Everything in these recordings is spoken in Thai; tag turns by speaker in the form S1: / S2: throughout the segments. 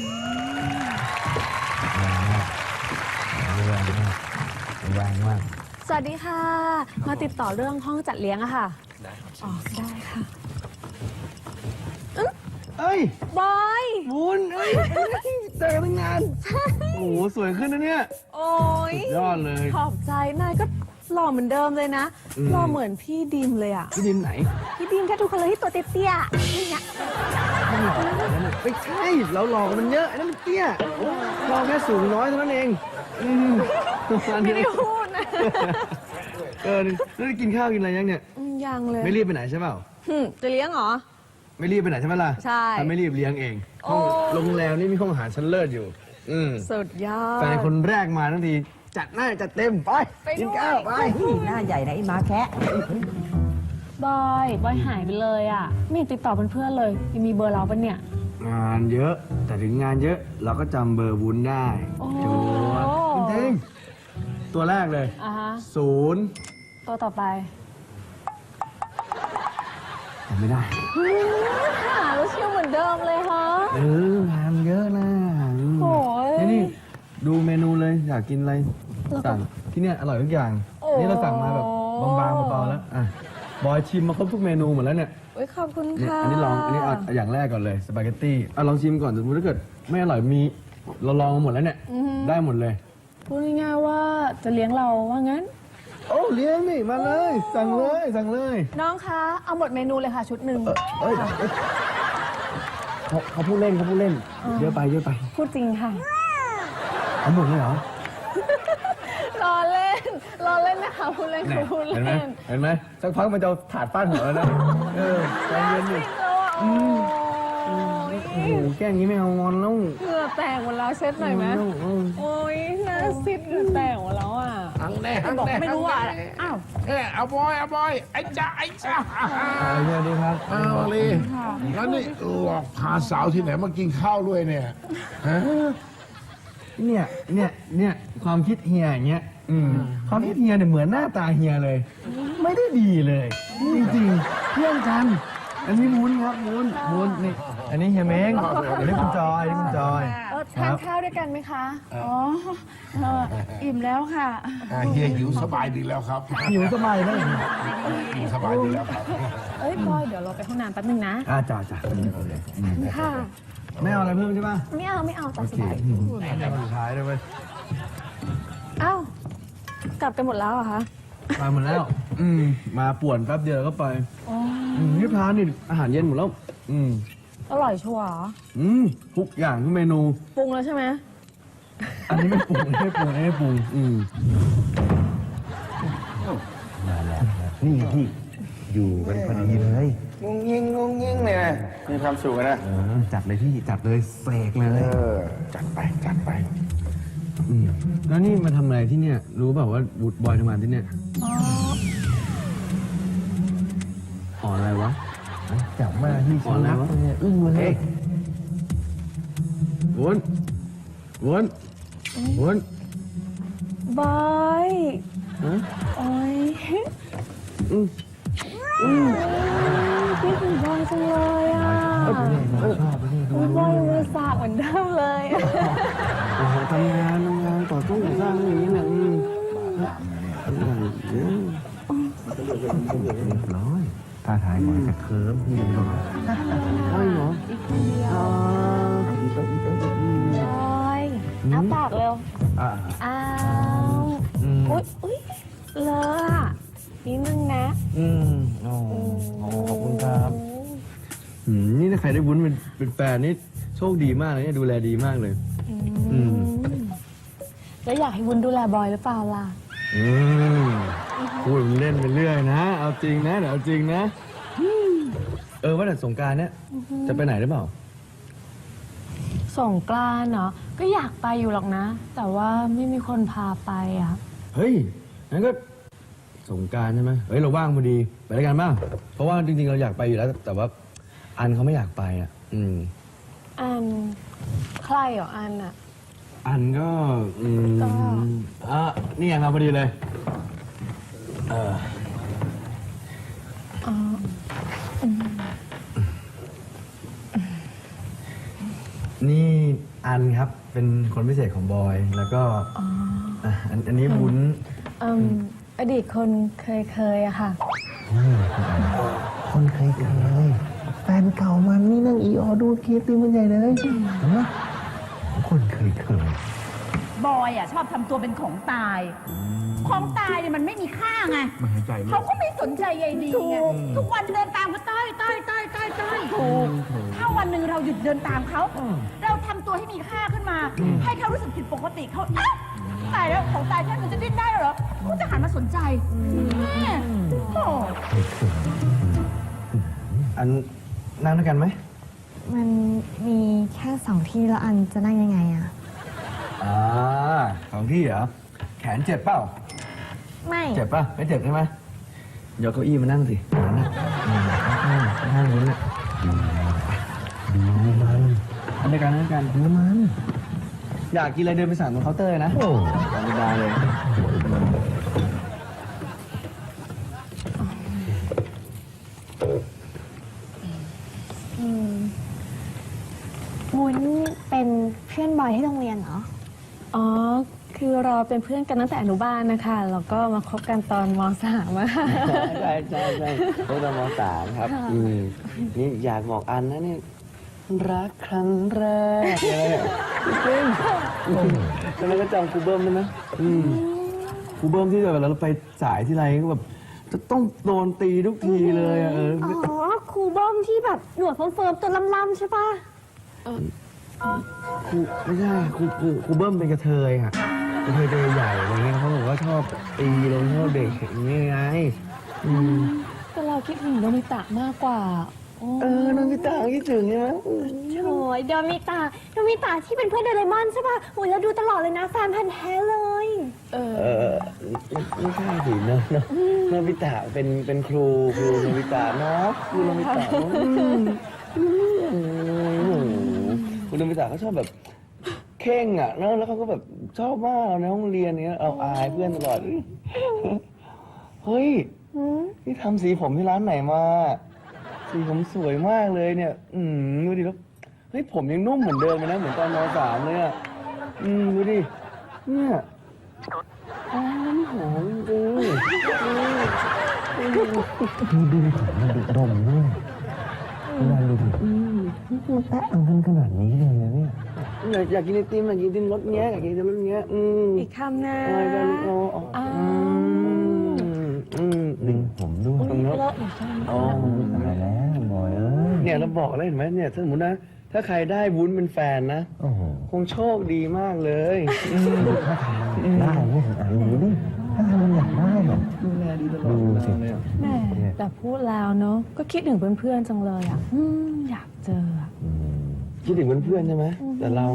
S1: แรงมาก
S2: สวัสดีค่ะ มาติดต่อเรื่องห้องจัดเลี้ยงอะค่ะ
S1: ได้ครับ
S2: อ๋อ ได้ค่ะ
S1: เอ้ย
S2: บอย
S1: บุญเอ้ยเจอกันตั้งนานโอ้โหสวยขึ้นนะเนี่ย
S2: โอ้ย
S1: สุดยอดเลย
S2: ขอบใจ นายก็หล่อเหมือนเดิมเลยนะ หล่อเหมือนพี่ดิมเลยอะ
S1: พี่ดินไหน
S2: พี่ดิมแค่ทุกคนเลยที่ตัวเตี้ยๆนี่ไง
S1: ไม่หล่อแล้วนะไม่ใช่เราหล่อกันมันเยอะไอ้นั่นมันเตี้ยเราแค่สูงน้อยเท่านั้นเองประมาณ
S2: ไม่
S1: นี้
S2: ได้พูดนะ
S1: แล้วได้กินข้าวกินอะไรยังเนี่ย
S2: ยังเลย
S1: ไม่รีบไปไหนใช่เปล่า
S2: จะเลี้ยงเหรอ
S1: ไม่รีบไปไหนใช่ไหมล่ะ
S2: ใช่
S1: ถ้าไม่รีบเลี้ยงเอง
S2: โอ้
S1: โรงแรมนี่มีห้องอาหารชั้นเลิศอยู่
S2: สุดยอด
S1: แฟนคนแรกมาทั้งทีจัดหน้าจัดเต็มไป
S2: ไปด้วย
S1: กินข้าวไป
S3: หน้าใหญ่นะไอ้หมาแคะ
S2: บอยหายไปเลยอะไม่ติดต่อเพื่อนๆเลยยังมีเบอร์เราปะเนี่ย
S1: งานเยอะ แต่ถึงงานเยอะเราก็จำเบอร์วุ้นได้
S2: โอ้
S1: จูดจริงๆตัวแรกเลย
S2: อ่ะฮะ
S1: 0
S2: ตัวต่อไป
S1: จำไม่ได้
S2: หาแล้วเชี่ยวเหมือนเดิมเลยฮะ
S1: งานเยอะนะ
S2: โอ้ย
S1: นี่ดูเมนูเลยอยากกินอะไร
S2: แล้วก็
S1: สั่งที่เนี่ยอร่อยทุกอย่าง
S2: โอ้
S1: นี่เราสั่งมาแบบบางๆเบาๆแล้วอ่ะบอยชิมมาครบทุกเมนูหมดแล้วเนี่ย
S2: โอ้ยขอบคุณ
S1: เนี่ย
S2: ค่ะ
S1: อันนี้ลองอันนี้เอาอย่างแรกก่อนเลยสปาเกตตี้อ่ะลองชิมก่อนสมมติถ้าเกิดไม่อร่อยมีเราลองมาหมดแล้วเนี่ยได้หมดเลย
S2: พูดง่ายๆว่าจะเลี้ยงเราว่างั้น
S1: โอ้เลี้ยงนี่มาเลยสั่งเลยสั่งเลย
S2: น้องคะเอาหมดเมนูเลยค่ะชุดหนึ่ง
S1: เอ้ยเขาพูดเล่นเยอะไปเยอะไป
S2: พูดจริงค่ะ
S1: เอาหมดเลยเหรอ
S2: รอเล่นนะคะพูดเล่น
S1: เนี่ย
S2: ค่ะพูด
S1: เห็นไหม
S2: เล่น
S1: เห็นไหมสักพักมันจะเอาถาดฟาดหัวแล้วนะใจเย็นดิ
S2: แล้วอ่ะโอ้
S1: โอ้โหแกล้งงี้ไม่เอางอนแล้ว
S2: เหงื่อแตกหมดแล้วเช็ดหน่อยไหมโอ้ยหน้าซิดเหงื่อแตกหมดแล้วอ่ะ
S4: หังแน่
S2: บอกไม่รู้อ่ะอ้าว
S4: เอาบอยไอ้จ้าไอ้จ้า
S1: สวัสดีครับ
S4: เอาเลยแล้วนี่หลอกพาสาวที่ไหนมากินข้าวด้วยเนี่ยฮะ
S1: เนี่ยความคิดเฮียอย่างเงี้ยความคิดเฮียเนี่ยเหมือนหน้าตาเฮียเลย ไม่ได้ดีเลย จริงๆเพื่อนกัน อันนี้วุ้นครับวุ้นนี่อันนี้เฮียเม้งอันนี้คุณจอยอันนี้คุณจอย
S2: ทานข้าวด้วยกันไหมคะ
S3: อ๋ออิ่มแล้วค่ะ
S4: เฮียหิวสบายดีแล้วครับ
S1: หิวสบายไหม
S4: หิวสบายดีแล้วครับ
S2: เอ้ยบอยเดี๋ยวเราไปห้องน้ำแป๊บนึงนะ
S1: จ่า
S2: ค่ะ
S1: ไม่เอาอะไรเพิ่มใช่ป่ะ
S2: ไม่เอาจัดสบาย
S1: สุดท้ายเลยเว้ย
S2: อ้าวกลับกันหมดแล้วเหรอะคะ
S1: มาหมดแล้ว มาป่วนแป๊บเดียวแล้วก็ไปนี่พานี่อาหารเย็นหมดแล้ว
S2: อร่อยชัวร์เหรอ
S1: ทุกอย่างทุกเมนู
S2: ปรุงแล้วใช่ไหม
S1: อันนี้ไม่ปรุงไม่ปรุงไม่ปรุงนี่พี่อยู่กันพอดีเลย
S4: งงยิงเนี่ยมีความสุขนะ
S1: จัดเลยพี่จัดเลยเสกเลย
S4: จัดไป
S1: แล้วนี่มาทำอะไรที่เนี่ย รู้เปล่าว่าบูดบอยทำงานที่เนี่ยอ๋ออะไรวะจับมาที่ฉันนับเนี่ยอึ้งเลยวน
S2: บอยโอ้ยพี่ถึงบอยจังเลยอ่ะบอยมือสากเหมือนเดิมเลยอะ
S1: โอ้โหทำงานต่อสู้ก่อสร้างอย่างนี้นะร้อยท่าทางมันจะเคิร์มพี่เหรอใช่เหรอ
S2: บอยอ้าปากเร็วอ้าวอุ๊ยเลอะอะนิดนึงนะ
S1: ขอบคุณครับนี่ถ้าใครได้วุ้นเป็นแฟนนี่โชคดีมากเลยเนี่ยดูแลดีมากเลย
S2: แล้วอยากให้วุ้นดูแลบอยหรือเปล่าล่ะ
S1: พูดเล่นไปเรื่อยนะ เอาจริงนะเดี๋ยวเอาจริงนะว่าแต่สงกรานต์เนี่ยจะไปไหนหรือเปล่า
S2: สงกรานต์เนาะก็อยากไปอยู่หรอกนะ แต่ว่าไม่มีคนพาไปอ่ะ
S1: เฮ้ยงั้นก็สงกรานต์ใช่ไหมเฮ้ยเราว่างพอดีไปด้วยกันบ้างเพราะว่าจริงๆเราอยากไปอยู่แล้วแต่ว่าอันเขาไม่อยากไปอ่ะ
S2: อันใครเหรออันอ่ะ
S1: อันก็นี่ไงมาพอดีเลยนี่อันครับเป็นคนพิเศษของบอยแล้วก็อันนี้วุ้น
S2: อดีตคนเคยอะค่ะ
S5: คนเคยแฟนเก่ามันนี่นั่งอีออดูเคสตีมันใหญ่เลยเห็นไหมคนเคย
S3: บอยอ่ะชอบทำตัวเป็นของตาย ของตายเนี่ยมันไม่มีค่าไงเขาก็ไม่สนใจใยดีไงทุกวันเดินตามเขาต้อยถูกถ้าวันหนึ่งเราหยุดเดินตามเขาเราทำตัวให้มีค่าขึ้นมา ให้เขารู้สึกผิดปกติเขาตายแล้วของตายแค่มันจะดิ้นได้เหรอเขาจะหันมาสนใจเนี่ยโอ้
S1: อันนั่งด้วยกันไหม
S2: มันมีแค่2 ที่แล้วอันจะนั่งยังไงอะ
S1: 2 ที่เหรอแขนเจ็บเปล่า
S2: ไม่
S1: เจ็บป่ะไม่เจ็บใช่ไหมยกเก้าอี้มานั่งสินั่งวุ้นเนี่ยดูมันนั่งด้วยกันดูมันอยากกินอะไรเดินไปสั่งตรงเคาน์เตอร์เลยนะธรรมดาเลย
S2: วุ้นเป็นเพื่อนบอยที่โรงเรียนเหรอ อ๋อ คือเราเป็นเพื่อนกันตั้งแต่อนุบาลนะคะ แล้วก็มาคบกันตอนม.3 อะ
S5: ใช่พวกเราม.3 ครับนี่อยากบอกอันนะเนี่ยรักครั้งแรกอะไรเนี่ยจริงแล้วก็จำครูเบิ้มได้ไหม
S1: ครูเบิ้มที่แบบเราไปสายที่ไรก็แบบจะต้องโดนตีทุกทีเลยอะ
S2: อ๋อ ครูเบิ้มที่แบบหนวดเฟิร์มๆตัวล่ำๆใช่ปะ
S1: ครูไม่ใช่ครูเบิ้มเป็นกระเทยค่ะกระเทยตัวใหญ่อะไรเงี้ยเขาบอกว่าชอบตีลงโทษเด็กอย่างนี้ไง
S2: แต่เราคิดถึงโดมิตะมากกว่า
S5: น้องพี่ตาคิดถึงใช่ไหม
S2: โถยโดมิตะที่เป็นเพื่อนโดเรมอนใช่ปะโอ้ยเราดูตลอดเลยนะแฟนพันธ์แท้เลย
S5: ไม่ใช่สิน้องพี่ตาเป็นครูน้องพี่ตาเนาะครูน้องพี่ตาคุณน้องพี่ตาเขาชอบแบบเข่งอ่ะแล้วเขาก็แบบชอบมากเราในห้องเรียนเนี้ยเอาอายเพื่อนตลอดเฮ้ยนี่ทำสีผมที่ร้านไหนมาสีผมสวยมากเลยเนี่ยดูดิแล้วเฮ้ยผมยังนุ่มเหมือนเดิมเลยนะเหมือนตอนม.3เลยอ่ะดูดิเนี่ยหอมจริงดูผมมันดุดมด้วยเวลาดูดิมันแตะอังกันขนาดนี้เลยนะเนี่ยอยากกินไอติมอยากกินไอติมรสเงี้ยอยากกินไอติมรสเงี้ย
S2: อีกคำนะ
S5: อะไรกันดึงผมด้วยตรงนี้ตายแล้วบอยเนี่ยเราบอกแล้วเห็นไหมเนี่ยถ้าสมมตินะถ้าใครได้วุ้นเป็นแฟนนะคงโชคดีมากเลยถ้าทำได้เนี่ยอ่านดูดิถ้าทำมันอยากได้หรอดูแลดีตลอดดูสิ
S2: แม่แต่พูดแล้วเนาะก็คิดถึงเพื่อนๆจังเลยอ่ะอยากเจอ
S5: คิดถึงเพื่อนๆใช่ไหมแต่เรา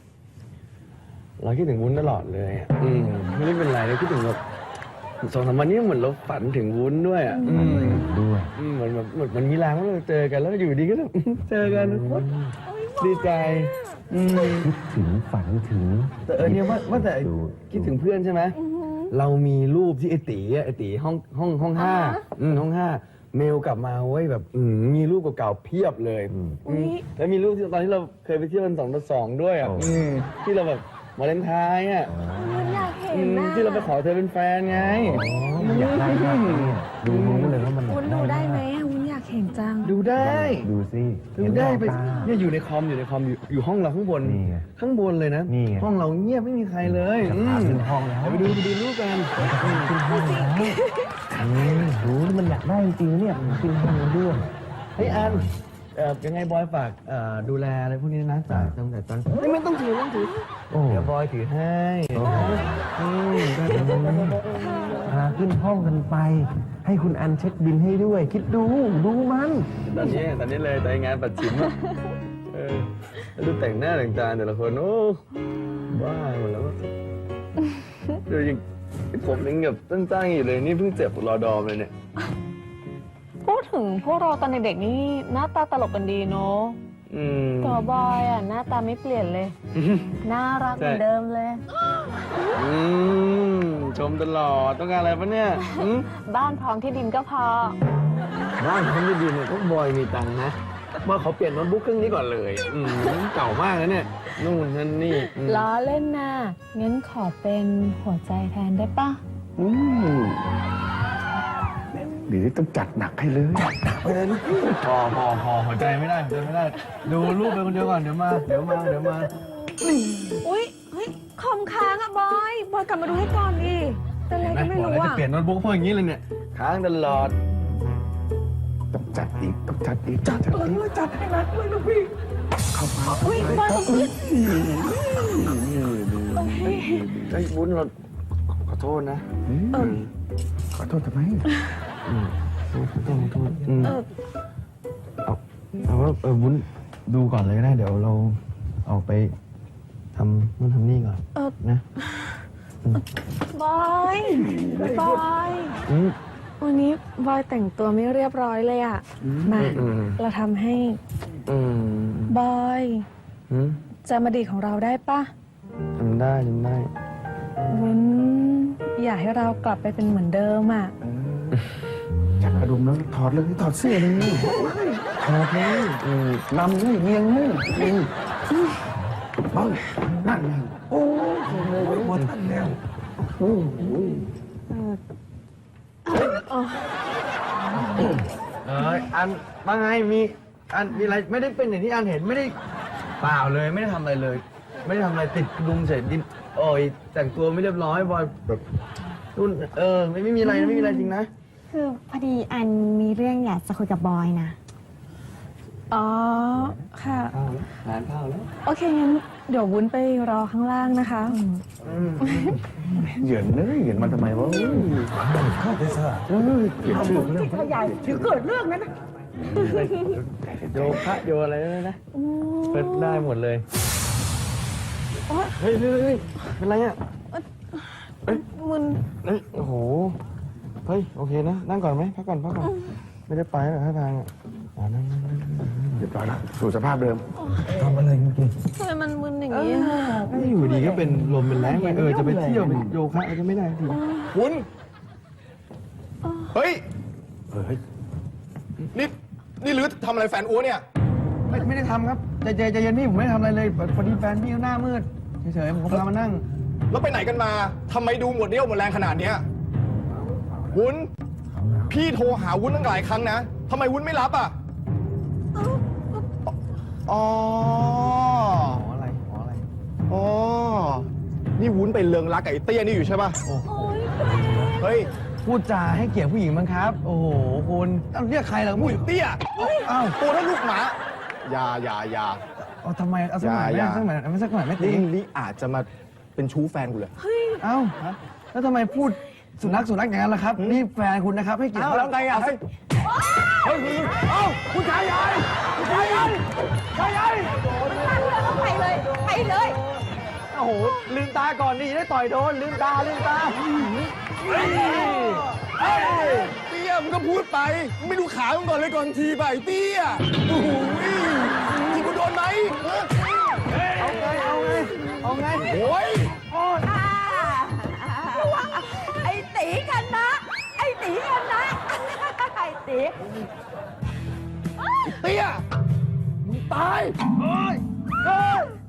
S5: คิดถึงวุ้นตลอดเลยไม่ได้เป็นไรเลยคิดถึงแบบ2-3 วันนี้เหมือนเราฝันถึงวุ้นด้วยด้วยเหมือนแบบมันมีแรงว่าเราเจอกันแล้วอยู่ดีก็เจอกันดีใจคิดถึงฝันถึงแต่เนี่ยว่าแต่คิดถึงเพื่อนใช่ไหมเรามีรูปที่ไอตีห้อง5ห้อง5เมลกลับมาเว้ยแบบมีรูปเก่าๆเพียบเลยแล้วมีรูปที่ตอนที่เราเคยไปเที่ยวกัน2-2ด้วยที่เราแบบวาเลนไทน์
S2: อยากเห็นนะ
S5: ที่เราไปขอเธอเป็นแฟนไงอยากได้มากดูเลยว่ามัน
S2: วุ้นดูได้ไหมวุ้นอยากเห็นจัง
S5: ดูได้
S1: ดูสิ
S5: ดูได้ไปเนี่ยอยู่ในคอมอยู่ห้องเราข้างบนเลยนะห้องเราเงียบไม่มีใครเลย
S1: ขึ้นห้องแล้ว
S5: ไปดูรูปกัน
S1: ขึ้นห้องแล้วรู้มันอยากได้จริงๆเนี่ยขึ้นห้องด้วย
S5: เฮ้ยอันยังไงบอยฝากดูแลอะไรพวกนี้นะตั้งแต่ตอนไม่ต้องถือเดี๋ยวบอยถือให้
S1: ขึ้นห้องกันไปให้คุณอันเช็คบินให้ด้วยคิดดูมัน
S5: ตอนนี้เลยแต่งานปัดฉิมดูแต่งหน้าแต่งตาแต่ละคนโอ้บ้าหมดแล้วดูยังผมยังแบบตั้งๆอยู่เลยนี่เพิ่งเจ็บรอดอมเลยเนี่ย
S2: พูดถึงพวกเราตอนเด็กๆนี่หน้าตาตลกกันดีเนาะตัวบอยอ่ะหน้าตาไม่เปลี่ยนเลยน่ารักเหมือนเดิมเลย
S5: ชมตลอดต้องการอะไรปะเนี่ย
S2: บ้านพร้อมที่ดินก็พอ
S5: บ้านพร้อมที่ดินเนี่ยต้องบอยมีตังค์นะมาขอเปลี่ยนโน้ตบุ๊กเครื่องนี้ก่อนเลยเก่ามากแล้วเนี่ยนู่นนั่นนี่
S2: ล้อเล่นนะงั้นขอเป็นหัวใจแทนได้ปะ
S1: หรือต้องจัดหนักให้เลยหนักไปเลยลูกพี่
S5: พอหัวใจไม่ได้หัวใจไม่ได้ ดูรูปไปคนเดียวก่อนเดี๋ยวมา
S2: อุ้ยเฮ้ยคอมค้างอะบอยกลับมาดูให้ก่อนดิเป็นอะไรก็ไม่
S5: บอก
S2: รู้
S5: แล้วจะ
S2: อะ
S5: เปลี่ยนโน้ตบุ๊กเพราะอย่างนี้เลยเนี่ยค้างตลอด
S1: ต้องจัดอีกจัดอีกจัดให้หนักเลยลูกพี่เข้ามา
S2: อุ้ยบอย
S5: ไอ้ยวุ้นเราขอโทษนะ
S1: ขอโทษทำไม
S5: ขอโทษเอาว่าวุ้นดูก่อนเลยก็ได้เดี๋ยวเราออกไปทำนู่นทำนี่ก่อนนะ
S2: บอยวันนี้บอยแต่งตัวไม่เรียบร้อยเลยอะมาเราทำให้บอยจำอดีตของเราได้ปะ
S5: จำได้
S2: วุ้นอยากให้เรากลับไปเป็นเหมือนเดิมอะ
S1: จัดกระดุมแล้วถอดเลยถอดเสื้อเลยถอดเลยนำเลยเงียงเลยบ้างนั่นไงโอ้โหหัวท่านแล้ว
S5: อันว่าไงมีอะไรไม่ได้เป็นอย่างที่อันเห็นไม่ได้เปล่าเลยไม่ได้ทำอะไรเลย ไม่ได้ทำอะไรติดลุงเสร็จดินโอ้ยแต่งตัวไม่เรียบร้อยบอยแบบรุ่นไม่มีอะไรนะไม่มีอะไรจริงนะ
S6: คือพอดีอันมีเรื่องอยากจะคุยกับบอยนะ
S2: อ๋อค่ะ
S5: งานเข้าแล้ว
S2: โอเคงั้นเดี๋ยววุ้นไปรอข้างล่างนะคะ
S1: เหยินเลยเหยินมาทำไมวะเข้าไปซะเปลี่ยนชื่อเรื่อง
S3: ถ้าใหญ่ถึงเกิดเรื่องนั้นนะ
S5: โยคะโยอะไรเลยนะเปิดได้หมดเลยเฮ้ยเป็นไรอ่ะ
S2: มึน
S5: เฮ้ยโอ้โหเฮ้ยโอเคนะนั่งก่อนไหมพักก่อนไม่ได้ไปหรอกท่าทางอ่ะนั่ง
S1: เรียบร้อยแล้วสู่สภาพเดิมทำอะไรเมื่อกี้
S2: ทำไมมันมึนอย่างนี้อะ
S5: ไม่อยู่ดีก็เป็นลมเป็นแรงไปจะไปเที่ยวเป็นโยคะอะไรก็ไม่ได้ที
S7: วุ้นเฮ้ย นี่ลื้อทำอะไรแฟนอ้วเนี่ย
S5: ไม่ได้ทำครับใจเย็นพี่ผมไม่ได้ทำอะไรเลยพอดีแฟนพี่หน้ามืดเฉยๆผมก็พามานั่ง
S7: แล้วไปไหนกันมา ทำไมดูหมดเรี่ยวหมดแรงขนาดเนี้ยวุ้น พี่โทรหาวุ้นตั้งหลายครั้งนะ ทำไมวุ้นไม่รับอ่ะ อ๋อ
S5: อะไร
S7: อ๋อ นี่วุ้นไปเลิงรักกับไอ้เตี้ยนี่อยู่ใช่ป่ะ เฮ้ย
S5: พูดจาให้เกียรติผู้หญิงมั้งครับ โอ้โหคุณเรียกใครล่ะ
S7: อุ้
S5: ผู้
S7: ย
S5: หญิง
S7: เตี้ย
S5: อ้าว
S7: ตัวเท่าลูกหมา อย่า
S5: เอาทำไมเอาสักหน่อย
S7: อย่า
S5: สักหน่อยไม่ตี
S7: นี่อาจจะมาเป็นชู้แฟนกูเลย
S5: เอ้าแล้วทำไมพูดสุนัขอย่างนั้นล่ะครับนี่แฟนคุณนะครับให้เกียรติ
S7: อ้าวแล้วไงอ่ะ
S5: เฮ้ยเอ้าคุณชายใหญ่
S3: ไปเลย
S5: โอ้โหลืมตาก่อนดิได้ต่อยโดนลืมตา
S7: เตี้ยมึงก็พูดไปมึงไม่ดูขามึงก่อนเลยก่อนทีไปเตี้ยโอ้โหทีกูโดนไหม
S5: เอาไง
S7: โอ้ย
S3: ไอ้ตีกันนะ ไอ้ตี
S7: เตี้ยมึงตาย